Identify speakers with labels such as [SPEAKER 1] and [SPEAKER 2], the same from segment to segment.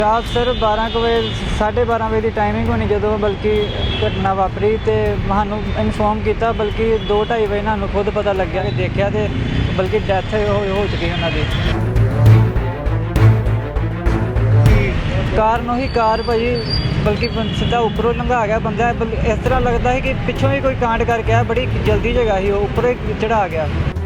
[SPEAKER 1] ਰਾਤ ਸਰ 12 ਕੁ ਵਜੇ 12:30 ਵਜੇ ਦੀ ਟਾਈਮਿੰਗ ਹੋਣੀ ਜਦੋਂ ਬਲਕਿ ਘਟਨਾ ਵਾਪਰੀ ਤੇ ਸਾਨੂੰ ਇਨਫੋਰਮ ਕੀਤਾ, ਬਲਕਿ 2:30 ਵਜੇ ਸਾਨੂੰ ਖੁਦ ਪਤਾ ਲੱਗਿਆ ਕਿ ਦੇਖਿਆ ਤੇ ਬਲਕਿ ਡੈਥ ਹੋ ਚੁੱਕੀ ਉਹਨਾਂ ਦੀ। ਕਾਰਨ ਉਹੀ ਕਾਰ ਭਾਜੀ, ਬਲਕਿ ਸਿੱਧਾ ਉੱਪਰੋਂ ਲੰਘਾ ਗਿਆ ਬੰਦਾ। ਇਸ ਤਰ੍ਹਾਂ ਲੱਗਦਾ ਹੈ ਕਿ ਪਿੱਛੋਂ ਹੀ ਕੋਈ ਕਾਂਡ ਕਰਕੇ ਆਇਆ, ਬੜੀ ਜਲਦੀ ਜਗ੍ਹਾ ਸੀ, ਉਹ ਉੱਪਰੋਂ ਹੀ ਚੜਾ ਗਿਆ।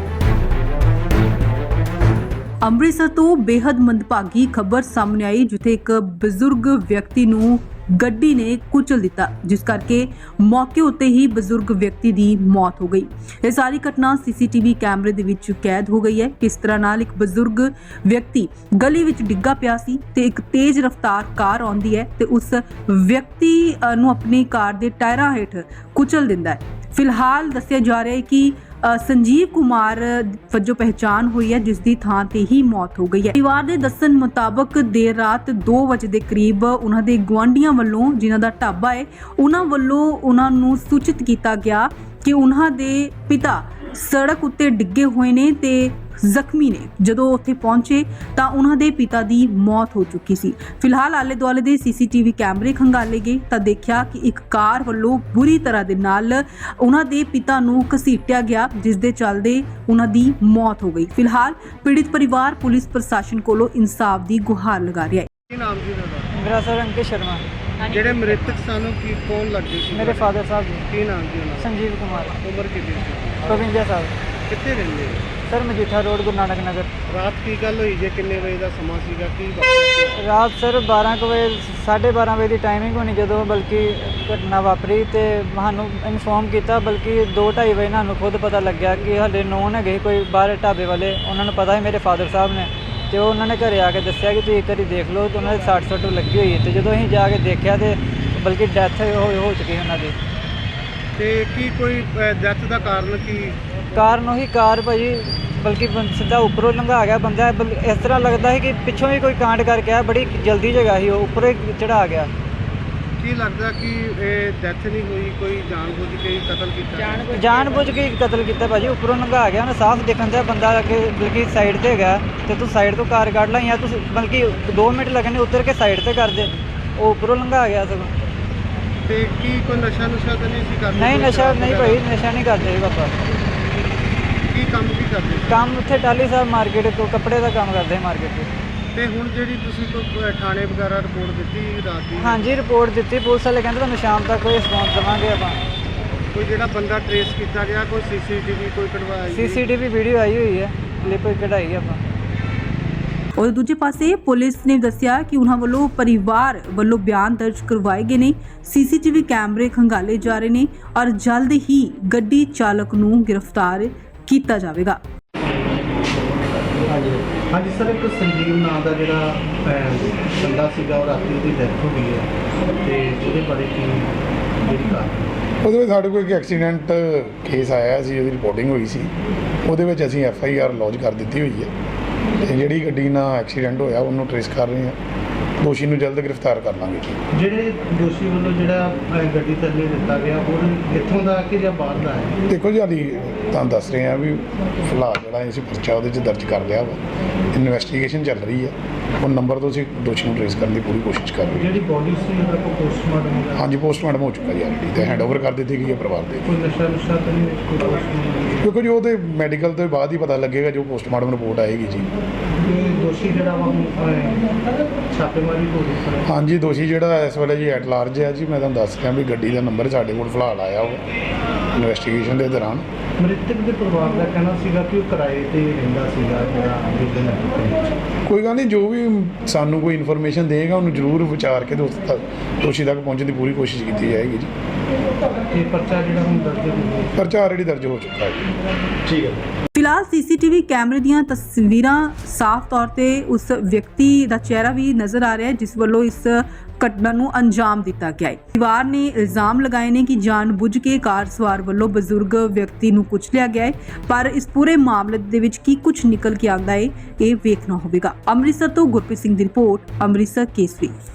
[SPEAKER 2] ਅੰਮ੍ਰਿਤਸਰ ਤੋਂ ਬੇहद ਮੰਦਭਾਗੀ ਖਬਰ ਸਾਹਮਣੇ ਆਈ, ਜਿੱਥੇ ਇੱਕ ਬਜ਼ੁਰਗ ਵਿਅਕਤੀ ਨੂੰ ਗੱਡੀ ਨੇ ਕੁਚਲ ਦਿੱਤਾ, ਜਿਸ ਕਰਕੇ ਮੌਕੇ ਉੱਤੇ ਹੀ ਬਜ਼ੁਰਗ ਵਿਅਕਤੀ ਦੀ ਮੌਤ ਹੋ ਗਈ। ਇਹ ਸਾਰੀ ਘਟਨਾ ਸੀਸੀਟੀਵੀ ਕੈਮਰੇ ਦੇ ਵਿੱਚ ਕੈਦ ਹੋ ਗਈ ਹੈ। ਕਿਸ ਤਰ੍ਹਾਂ ਨਾਲ ਇੱਕ ਬਜ਼ੁਰਗ ਵਿਅਕਤੀ ਗਲੀ ਵਿੱਚ ਡਿੱਗਾ ਪਿਆ ਸੀ ਤੇ ਇੱਕ ਤੇਜ਼ ਰਫ਼ਤਾਰ ਕਾਰ ਆਉਂਦੀ ਹੈ ਤੇ ਉਸ ਵਿਅਕਤੀ ਨੂੰ ਆਪਣੀ ਕਾਰ ਦੇ ਟਾਇਰਾਂ ਹੇਠ ਕੁਚਲ ਦਿੰਦਾ ਹੈ। ਫਿਲਹਾਲ ਦੱਸਿਆ ਜਾ ਰਿਹਾ ਹੈ ਕਿ ਸੰਜੀਵ ਕੁਮਾਰ ਵਜੋਂ ਪਹਿਚਾਣ ਹੋਈ ਹੈ, ਜਿਸ ਦੀ ਥਾਂ ਤੇ ਹੀ ਮੌਤ ਹੋ ਗਈ ਹੈ। ਪਰਿਵਾਰ ਦੇ ਦੱਸਣ ਮੁਤਾਬਕ ਦੇਰ ਰਾਤ 2 ਵਜੇ ਦੇ ਕਰੀਬ ਉਹਨਾਂ ਦੇ ਗੁਆਂਢੀਆਂ ਵੱਲੋਂ, ਜਿਨ੍ਹਾਂ ਦਾ ਢਾਬਾ ਹੈ, ਉਹਨਾਂ ਵੱਲੋਂ ਉਹਨਾਂ ਨੂੰ ਸੂਚਿਤ ਕੀਤਾ ਗਿਆ ਕਿ ਉਹਨਾਂ ਦੇ ਪਿਤਾ ਸੜਕ ਉੱਤੇ ਡਿੱਗੇ ਹੋਏ ਨੇ ਤੇ ਜ਼ਖਮੀ ਨੇ। ਜਦੋਂ ਉੱਥੇ ਪਹੁੰਚੇ ਤਾਂ ਉਹਨਾਂ ਦੇ ਪਿਤਾ ਦੀ ਮੌਤ ਹੋ ਚੁੱਕੀ ਸੀ। ਫਿਲਹਾਲ ਆਲੇ ਦੁਆਲੇ ਦੇ ਸੀਸੀਟੀਵੀ ਕੈਮਰੇ ਖੰਗਾਲੇ ਗਏ ਤਾਂ ਦੇਖਿਆ ਕਿ ਇੱਕ ਕਾਰ ਵੱਲੋਂ ਬੁਰੀ ਤਰ੍ਹਾਂ ਦੇ ਨਾਲ ਉਹਨਾਂ ਦੇ ਪਿਤਾ ਨੂੰ ਘਸੀਟਿਆ ਗਿਆ, ਜਿਸ ਦੇ ਚੱਲਦੇ ਉਹਨਾਂ ਦੀ ਮੌਤ ਹੋ ਗਈ। ਫਿਲਹਾਲ ਪੀੜਿਤ ਪਰਿਵਾਰ ਪੁਲਿਸ ਪ੍ਰਸ਼ਾਸਨ ਕੋਲੋਂ ਇਨਸਾਫ ਦੀ ਗੁਹਾਰ ਲਗਾ ਰਿਹਾ ਹੈ।
[SPEAKER 3] ਕੀ ਨਾਮ ਜੀ ਤੁਹਾਡਾ?
[SPEAKER 1] ਮੇਰਾ ਸਰ ਅੰਕਿਤ ਸ਼ਰਮਾ।
[SPEAKER 3] ਜਿਹੜੇ ਮ੍ਰਿਤਕ ਸਾਨੂੰ ਕੀ ਕੌਣ ਲੱਗਦੇ ਸੀ?
[SPEAKER 1] ਮੇਰੇ ਫਾਦਰ ਸਾਹਿਬ ਜੀ
[SPEAKER 3] ਕੀ ਨਾਮ ਜੀ ਉਹਨਾਂ ਦਾ?
[SPEAKER 1] ਸੰਜੀਵ ਕੁਮਾਰ।
[SPEAKER 3] ਉਮਰ ਕਿੰਨੀ ਸੀ?
[SPEAKER 1] 52 ਸਾਲ।
[SPEAKER 3] ਕਿੱਥੇ ਰਹਿੰਦੇ?
[SPEAKER 1] Sir Majitha road, Guru Nanak Nagar.
[SPEAKER 3] ਰਾਤ ਕੀ ਗੱਲ ਹੋਈ ਜੇ? ਕਿੰਨੇ ਵਜੇ ਦਾ ਸਮਾਂ ਸੀਗਾ? ਕੀ ਵਾਪਰਿਆ?
[SPEAKER 1] ਰਾਤ ਸਰ 12 ਕੁ ਵਜੇ 12:30 ਵਜੇ ਦੀ ਟਾਈਮਿੰਗ ਹੋਣੀ ਜਦੋਂ ਬਲਕਿ ਘਟਨਾ ਵਾਪਰੀ ਤੇ ਸਾਨੂੰ ਇਨਫੋਰਮ ਕੀਤਾ, ਬਲਕਿ 2:30 ਵਜੇ ਸਾਨੂੰ ਖੁਦ ਪਤਾ ਲੱਗਿਆ ਕਿ ਹਲੇ ਨੋਨ ਹੈਗੇ ਕੋਈ ਬਾਹਰ ਢਾਬੇ ਵਾਲੇ, ਉਹਨਾਂ ਨੂੰ ਪਤਾ ਹੈ ਮੇਰੇ ਫਾਦਰ ਸਾਹਿਬ ਨੇ, ਤੇ ਉਹ ਉਹਨਾਂ ਨੇ ਘਰੇ ਆ ਕੇ ਦੱਸਿਆ ਕਿ ਤੁਸੀਂ ਇੱਕ ਵਾਰੀ ਦੇਖ ਲਓ, ਤੇ ਉਹਨਾਂ ਦੇ 60 ਸੱਟ ਲੱਗੀ ਹੋਈ ਹੈ। ਤੇ ਜਦੋਂ ਅਸੀਂ ਜਾ ਕੇ ਦੇਖਿਆ ਤੇ ਬਲਕਿ ਡੈਥ ਹੋ ਚੁੱਕੀ ਉਹਨਾਂ ਦੀ।
[SPEAKER 3] ਤੇ ਕੀ ਕੋਈ ਡੈਥ ਦਾ ਕਾਰਨ ਕੀ?
[SPEAKER 1] ਕਾਰਨ ਉਹੀ ਕਾਰ ਭਾਜੀ, ਬਲਕਿ ਸਿੱਧਾ ਉੱਪਰੋਂ ਲੰਘਾ ਗਿਆ ਬੰਦਾ। ਇਸ ਤਰ੍ਹਾਂ ਲੱਗਦਾ ਹੈ ਕਿ ਪਿੱਛੋਂ ਹੀ ਕੋਈ ਕਾਂਡ ਕਰਕੇ ਆਇਆ, ਬੜੀ ਜਲਦੀ ਜਗ੍ਹਾ ਸੀ, ਉਹ ਉੱਪਰੋਂ ਹੀ ਚੜਾ ਗਿਆ।
[SPEAKER 3] ਕੀ ਲੱਗਦਾ ਕਿ ਇਹ ਡੈਥ ਨਹੀਂ ਹੋਈ, ਕੋਈ ਜਾਣਬੁੱਝ ਕੇ ਹੀ ਕਤਲ ਕੀਤਾ?
[SPEAKER 1] ਜਾਣਬੁੱਝ ਕੇ ਕਤਲ ਕੀਤਾ ਭਾਜੀ। ਉੱਪਰੋਂ ਲੰਘਾ ਗਿਆ, ਉਹਨੇ ਸਾਫ਼ ਦੇਖਣ ਤੇ ਬੰਦਾ ਅੱਗੇ ਬਲਕਿ ਸਾਈਡ ਤੇ ਹੈਗਾ, ਤੇ ਤੂੰ ਸਾਈਡ ਤੋਂ ਕਾਰ ਕੱਢ ਲਾ, ਜਾਂ ਤੂੰ ਬਲਕਿ 2 ਮਿੰਟ ਲੱਗਣੇ ਉਤਰ ਕੇ ਸਾਈਡ ਤੇ ਕਰ ਦੇ, ਉਹ ਉੱਪਰੋਂ ਲੰਘਾ ਗਿਆ ਸਗੋਂ।
[SPEAKER 3] ਤੇ ਕੀ ਕੋਈ ਨਸ਼ਾ ਤਾਂ ਨਹੀਂ ਸੀ ਕਰਦਾ?
[SPEAKER 1] ਨਹੀਂ, ਨਸ਼ਾ ਨਹੀਂ ਭਾਈ, ਨਸ਼ਾ ਨਹੀਂ ਕਰਦੇ ਪਾਪਾ।
[SPEAKER 3] ਕੀ ਕੰਮ ਕੀ ਕਰਦੇ?
[SPEAKER 1] ਕੰਮ ਉੱਥੇ ਟਾਲੀ ਸਾਹਿਬ ਮਾਰਕੀਟ ਤੋਂ ਕੱਪੜੇ ਦਾ ਕੰਮ ਕਰਦੇ ਮਾਰਕੀਟ 'ਚ।
[SPEAKER 3] ਤੇ ਹੁਣ ਜਿਹੜੀ ਤੁਸੀਂ ਕੋਈ ਥਾਣੇ ਵਗੈਰਾ ਰਿਪੋਰਟ ਦਿੱਤੀ ਰਾਤ ਦੀ?
[SPEAKER 1] ਹਾਂਜੀ, ਰਿਪੋਰਟ ਦਿੱਤੀ। ਪੁਲਿਸ ਵਾਲੇ ਕਹਿੰਦੇ ਤੁਹਾਨੂੰ ਸ਼ਾਮ ਤੱਕ ਕੋਈ ਰਿਸਪੌਂਸ ਦੇਵਾਂਗੇ ਆਪਾਂ।
[SPEAKER 3] ਕੋਈ ਜਿਹੜਾ ਬੰਦਾ ਟ੍ਰੇਸ ਕੀਤਾ ਗਿਆ, ਕੋਈ ਸੀਸੀਟੀਵੀ ਕੋਈ ਕਢਵਾਇਆ?
[SPEAKER 1] ਸੀਸੀਟੀਵੀ ਵੀਡੀਓ ਆਈ ਹੋਈ ਹੈ, ਕਲਿੱਪ ਕਢਾਈ ਆਪਾਂ।
[SPEAKER 2] और दूजे पासे पुलिस ने दस्सिया कि उन्हां वल्लों परिवार वल्लों बयान दर्ज करवाए गए ने, सीसीटीवी कैमरे खंगाले जा रहे ने और जल्द ही गड्डी चालक नूं गिरफ्तार किया जाएगा।
[SPEAKER 3] ਹਾਂਜੀ ਸਰ, ਇੱਕ ਸੰਜੀਵ ਨਾਂ ਦਾ ਜਿਹੜਾ ਬੰਦਾ ਸੀਗਾ, ਉਹ ਰਾਤੀ ਉਹਦੀ ਡੈਥ ਹੋ ਗਈ ਹੈ, ਤੇ ਉਹਦੇ ਬਾਰੇ ਕੀ ਜਿਹੜੀ ਕਾਰਨ?
[SPEAKER 4] ਉਹਦੇ ਵਿੱਚ ਸਾਡੇ ਕੋਲ ਇੱਕ ਐਕਸੀਡੈਂਟ ਕੇਸ ਆਇਆ ਸੀ, ਉਹਦੀ ਰਿਪੋਰਟਿੰਗ ਹੋਈ ਸੀ। ਉਹਦੇ ਵਿੱਚ ਅਸੀਂ FIR ਲੌਂਚ ਕਰ ਦਿੱਤੀ ਹੋਈ ਹੈ, ਤੇ ਜਿਹੜੀ ਗੱਡੀ ਨਾਲ ਐਕਸੀਡੈਂਟ ਹੋਇਆ ਉਹਨੂੰ ਟ੍ਰੇਸ ਕਰ ਰਹੇ ਹਾਂ। ਦੋਸ਼ੀ ਨੂੰ ਜਲਦ ਗ੍ਰਿਫਤਾਰ ਕਰ ਲਾਂਗੇ।
[SPEAKER 3] ਜਿਹੜੇ ਦੋਸ਼ੀ ਵੱਲੋਂ ਜਿਹੜਾ ਗੱਡੀ ਥੱਲੇ ਦਿੱਤਾ ਗਿਆ, ਉਹ ਇੱਥੋਂ ਦਾ ਕਿ ਜਾਂ ਬਾਹਰ ਦਾ ਹੈ?
[SPEAKER 4] ਦੇਖੋ ਜੀ, ਹਾਲੀ ਤੁਹਾਨੂੰ ਦੱਸ ਰਹੇ ਹਾਂ ਵੀ ਫਿਲਹਾਲ ਜਿਹੜਾ ਅਸੀਂ ਪਰਚਾ ਉਹਦੇ 'ਚ ਦਰਜ ਕਰ ਲਿਆ ਵਾ, ਇਨਵੈਸਟੀਗੇਸ਼ਨ ਚੱਲ ਰਹੀ ਹੈ। ਉਹ ਨੰਬਰ ਤੋਂ ਅਸੀਂ ਦੋਸ਼ੀ ਨੂੰ ਟ੍ਰੇਸ ਕਰਨ ਦੀ ਪੂਰੀ ਕੋਸ਼ਿਸ਼ ਕਰ ਰਹੇ ਹਾਂ।
[SPEAKER 3] ਜਿਹੜੀ ਬੋਡੀ ਸੀ ਉਹਦਾ ਕੋਈ ਪੋਸਟਮਾਰਟਮ ਹੋਇਆ?
[SPEAKER 4] ਹਾਂਜੀ, ਪੋਸਟਮਾਰਟਮ ਹੋ ਚੁੱਕਾ ਜੀ ਆਲਰੇਡੀ, ਤੇ ਹੈਂਡਓਵਰ ਕਰ ਦਿੱਤੀ ਗਈ ਹੈ ਪਰਿਵਾਰ ਦੇ।
[SPEAKER 3] ਕੋਈ ਨਸ਼ਾ ਤਾਂ ਨਹੀਂ ਕੋਈ ਪੋਸਟਮਾਰਟਮ?
[SPEAKER 4] ਕਿਉਂਕਿ ਜੀ ਉਹਦੇ ਮੈਡੀਕਲ ਤੋਂ ਬਾਅਦ ਹੀ ਪਤਾ ਲੱਗੇਗਾ, ਜੋ ਪੋਸਟਮਾਰਟਮ ਰਿਪੋਰਟ ਆਏਗੀ ਜੀ।
[SPEAKER 3] ਦੋਸ਼ੀ ਜਿਹੜਾ ਵਾ ਛਾਪੇਮਾਰੀ ਹੋ ਰਹੀ ਹੈ?
[SPEAKER 4] ਹਾਂਜੀ, ਦੋਸ਼ੀ ਜਿਹੜਾ ਇਸ ਵੇਲੇ ਜੀ ਐਟ ਲਾਰਜ ਹੈ ਜੀ। ਮੈਂ ਤੁਹਾਨੂੰ ਦੱਸ ਰਿਹਾ ਵੀ ਗੱਡੀ ਦਾ ਨੰਬਰ ਸਾਡੇ ਕੋਲ ਫਿਲਹਾਲ ਆਇਆ ਵਾ ਇਨਵੈਸਟੀਗੇਸ਼ਨ ਦੇ ਦੌਰਾਨ।
[SPEAKER 3] ਮ੍ਰਿਤਕ ਦੇ ਪਰਿਵਾਰ ਦਾ ਕਹਿਣਾ ਸੀਗਾ ਕਿ ਉਹ ਕਿਰਾਏ ਤੇ ਰਹਿੰਦਾ ਸੀਗਾ, ਜਿਹੜਾ
[SPEAKER 4] ਕੋਈ ਗੱਲ ਨਹੀਂ, ਜੋ ਵੀ ਸਾਨੂੰ ਕੋਈ ਇਨਫੋਰਮੇਸ਼ਨ ਦੇਗਾ ਉਹਨੂੰ ਜ਼ਰੂਰ ਵਿਚਾਰ ਕੇ ਦੋਸ਼ੀ ਤੱਕ ਪਹੁੰਚਣ ਦੀ ਪੂਰੀ ਕੋਸ਼ਿਸ਼ ਕੀਤੀ ਜਾਏਗੀ ਜੀ।
[SPEAKER 3] ਇਹ ਪਰਚਾ ਜਿਹੜਾ ਹੁਣ ਦਰਜ ਹੋ
[SPEAKER 4] ਪਰਚਾ ਆਲਰੇਡੀ ਦਰਜ ਹੋ ਚੁੱਕਾ ਹੈ ਜੀ।
[SPEAKER 3] ਠੀਕ ਹੈ।
[SPEAKER 2] फिलहाल सीसीटीवी कैमरे ਦੀਆਂ ਤਸਵੀਰਾਂ ਸਾਫ਼ ਤੌਰ ਤੇ ਉਸ ਵਿਅਕਤੀ ਦਾ ਚਿਹਰਾ ਵੀ ਨਜ਼ਰ ਆ ਰਿਹਾ ਹੈ, ਜਿਸ ਵੱਲੋਂ ਇਸ ਘਟਨਾ ਨੂੰ ਅੰਜਾਮ ਦਿੱਤਾ ਗਿਆ ਹੈ। ਪਰਿਵਾਰ ਨੇ ਇਲਜ਼ਾਮ ਲਗਾਏ ਨੇ ਕਿ ਜਾਣਬੁੱਝ ਕੇ ਕਾਰ ਸਵਾਰ ਵੱਲੋਂ ਬਜ਼ੁਰਗ ਵਿਅਕਤੀ ਨੂੰ ਕੁਚਲਿਆ ਗਿਆ ਹੈ, ਪਰ ਇਸ ਪੂਰੇ ਮਾਮਲੇ ਦੇ ਵਿੱਚ ਕੀ ਕੁਝ ਨਿਕਲ ਕੇ ਆਉਂਦਾ ਹੈ, ਇਹ ਵੇਖਣਾ ਹੋਵੇਗਾ। ਅੰਮ੍ਰਿਤਸਰ ਤੋਂ ਗੁਰਪ੍ਰੀਤ ਸਿੰਘ ਦੀ ਰਿਪੋਰਟ, ਅੰਮ੍ਰਿਤਸਰ ਕੇਸਰੀ।